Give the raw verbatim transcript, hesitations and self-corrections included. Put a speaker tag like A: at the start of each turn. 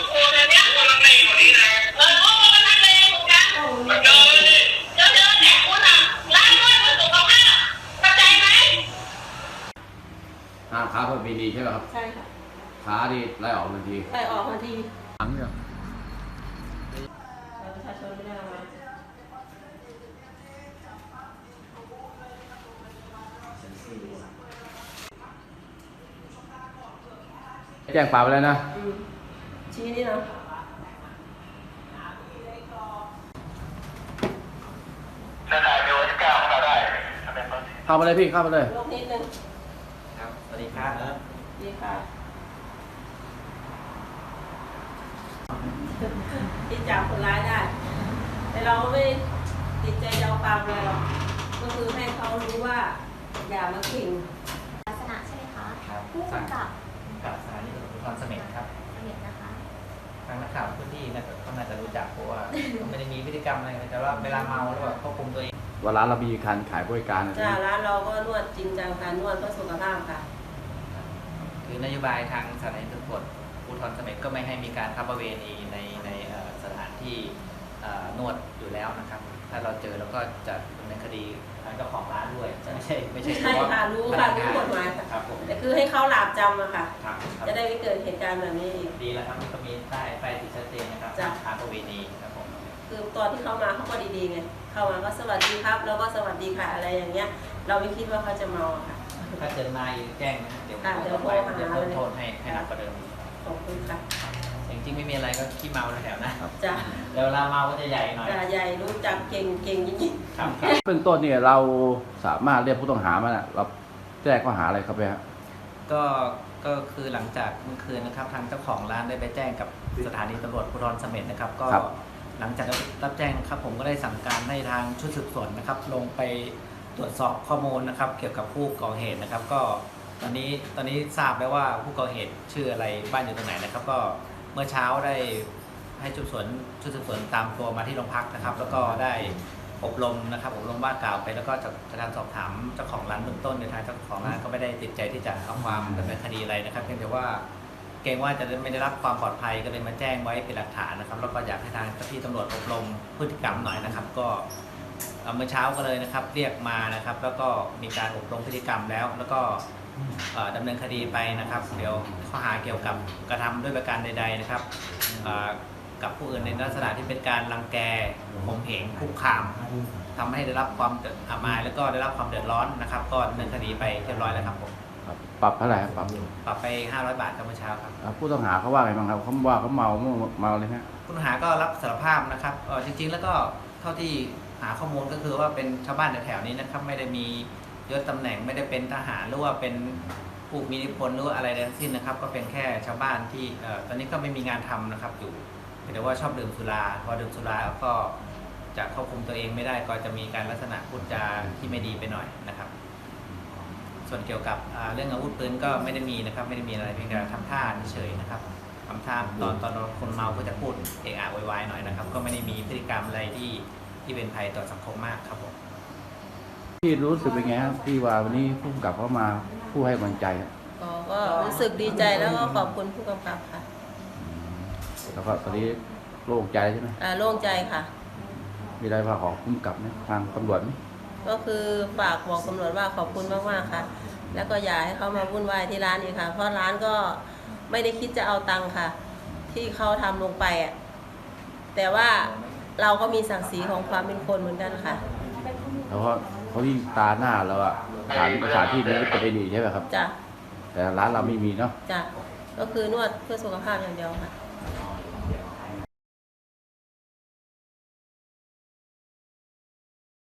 A: ห้ามค้าเพื่อมีดีใช่ไหมครับ
B: ใช่ค่ะ
A: ค้าที่ไล่ออกทันที
B: ไล่ออกทันที
A: ทั้งเนี่ย
B: ประชาชนไม่ได้มา
A: แจ้งความไปแล้วนะ
B: ชี้นี่นะ
C: ถ้าถ่ายวิดีโอที่เก้าเข้ามาได้
A: เข้ามาเลยพี่เข้ามาเลย
B: ลงนิดนึง
D: ครับสวัสดีครับ
B: สวัสดีค่ะที่จับคนร้ายได้แต่เราไม่ติดใจเอาความอะไรหรอกก็คือให้เขารู้ว่าอย่ามาขิง
E: ลักษณะใช่ไหมคะ
D: ครับ
E: ผู้กำกับ
D: กับสถานีตำรวจภูธรเสม็ดครับ
E: เสม็ดนะคะ
D: ทางนักข่าวพื้นที่น่าจะก็น่าจะรู้จักเพราะว่าไม่ได้มีพฤติกรรมอะไรแต่ว่าเวลาเมาแล้วแบบควบคุมตัวเอง
A: ว่าร้านเรามีการขายบริการ
B: จ้าร้านเราก็นวดจริงจังการนวดเพื่อสุขภาพค่ะ
D: คือนโยบายทางสถานีตำรวจภูธรเสม็ดก็ไม่ให้มีการค้าประเวณีในในสถานที่นวดอยู่แล้วนะครับถ้าเราเจอเราก็จะดำเนินคดีทางเจ้าของร้านด้วยไม่ใช่ไม่ใช่
B: ใช่ค่ะรู้ค่ะรู้กฎหมายค่ะแต่คือให้เขาหลาบจำอะค่ะจะได้ไม่เกิดเหตุการณ์แบบนี้อีก
D: ดีแล้วครับมันก็มีป้ายป้ายติดชัดเจนนะครับค้าประเวณีครับผม
B: คือตอนที่เขามาเขาก็ดีๆไงเข้ามาก็สวัสดีครับแล้วก็สวัสดีค่ะอะไรอย่างเงี้ยเราไม่คิดว่าเขาจะเมาค่ะ
D: ถ้าเจอมาอีกแจ้งนะเดี๋ยว
B: เดี๋ยวโทรหา
D: เพิ่มโทษให้ให้หนักกว่าเดิม
B: ขอบคุณค่ะ
D: จริงๆไม่มีอะไรก็ขี้เมาแถวนะ
B: จ้ะ
D: เดี๋ยวเวลาเมาก็จะใหญ่หน่อย
B: จะใหญ่รู้จักเก่งเก่งจริง
D: ๆครับ
A: เบื้องต้นเนี่ยเราสามารถเรียกผู้ต้องหามาเราแจ้งข้อหาอะไรครับพี่ฮะ
D: ก็ก็คือหลังจากเมื่อคืนนะครับทางเจ้าของร้านได้ไปแจ้งกับสถานีตำรวจภูธรเสม็ดนะครับก็หลังจากรับแจ้งครับผมก็ได้สั่งการให้ทางชุดสืบสวนนะครับลงไปตรวจสอบข้อมูลนะครับเกี่ยวกับผู้ก่อเหตุนะครับก็ตอนนี้ตอนนี้ทราบแล้วว่าผู้ก่อเหตุชื่ออะไรบ้านอยู่ตรงไหนนะครับก็เมื่อเช้าได้ให้ชุดสืบสวนชุดสืบสวนตามตัวมาที่โรงพักนะครับแล้วก็ได้อบรมนะครับอบรมว่ากล่าวไปแล้วก็จากการสอบถามเจ้าของร้านเบื้องต้นในทางเจ้าของร้านก็ไม่ได้ติดใจที่จะเอาความดำเนินคดีอะไรนะครับเพียงแต่ว่าเกรงว่าจะไม่ได้รับความปลอดภัยก็เลยมาแจ้งไว้เป็นหลักฐานนะครับแล้วก็อยากให้ทางเจ้าที่ตำรวจอบรมพฤติกรรมหน่อยนะครับก็เมื่อเช้าก็เลยนะครับเรียกมานะครับแล้วก็มีการอบรมพฤติกรรมแล้วแล้วก็ดำเนินคดีไปนะครับเดี๋ยวข้อหาเกี่ยวกับกระทำด้วยประการใดๆนะครับกับผู้อื่นในลักษณะที่เป็นการรังแกข่มเหงคุกคามทำให้ได้รับความอับอายแล้วก็ได้รับความเดือดร้อนนะครับก็ดำเนินคดีไปเรียบร้อยแล้วครับผม
A: ปรับเท่าไหร่ปรับ
D: ปรับไปห้าร้อยบาทครับเมื่อเช้าครับ
A: ผู้ต้องหาเขาว่าไงบ้างครับเขาว่าเขาเมาเมาเลยฮะ
D: ผู้ต้องหาก็รับสารภาพนะครับจริงๆแล้วก็เท่าที่หาข้อมูลก็คือว่าเป็นชาวบ้านแถวๆนี้นะครับไม่ได้มียศตำแหน่งไม่ได้เป็นทหารหรือว่าเป็นผู้มีอิทธิพลหรือว่าอะไรทั้งสิ้นนะครับก็เป็นแค่ชาวบ้านที่ตอนนี้ก็ไม่มีงานทำนะครับอยู่แต่ว่าชอบดื่มสุราพอดื่มสุราแล้วก็จะควบคุมตัวเองไม่ได้ก็จะมีการลักษณะพูดจาที่ไม่ดีไปหน่อยนะครับส่วนเกี่ยวกับเรื่องอาวุธปืนก็ไม่ได้มีนะครับไม่ได้มีอะไรเพียงแต่ทำท่าเฉยๆนะครับทำท่าตอนตอนคนเมาก็จะพูดเอะอะโวยวายหน่อยนะครับก็ไม่ได้มีพฤติกรรมอะไรที่ที่เป็นภัยต่อสังคมมากครับผม
A: ที่รู้สึกเป็นไงครับที่ว่าวันนี้ผู้กำกับเขามาผู้ให้กำลังใจ
B: ก็รู้สึกดีใจแล้วก็ขอบคุณผู้กำกับค่ะ
A: แล้วก็ตอนนี้โล่งใจใช่ไหม
B: อ่าโล่งใจค่ะ
A: มีอะไรฝากของผู้กำกับไหมทางตำรวจไหม
B: ก็คือฝากบอกตำรวจว่าขอบคุณมากๆค่ะแล้วก็อย่าให้เขามาวุ่นวายที่ร้านอีกค่ะเพราะร้านก็ไม่ได้คิดจะเอาตังค์ค่ะที่เขาทำลงไปอ่ะแต่ว่าเราก็มีศักดิ์ศรีของความเป็นคนเหมือนกันค่ะ
A: แล้วก็เขาที่ตาหน้าเราอะสถานสถานที่นี้เป็นดีใช่ไหมครับ
B: จ้ะ
A: แต่ร้านเราไม่มีเนาะ
B: จ้ะก็คือนวดเพื่อสุขภาพอย่างเดียวค่ะ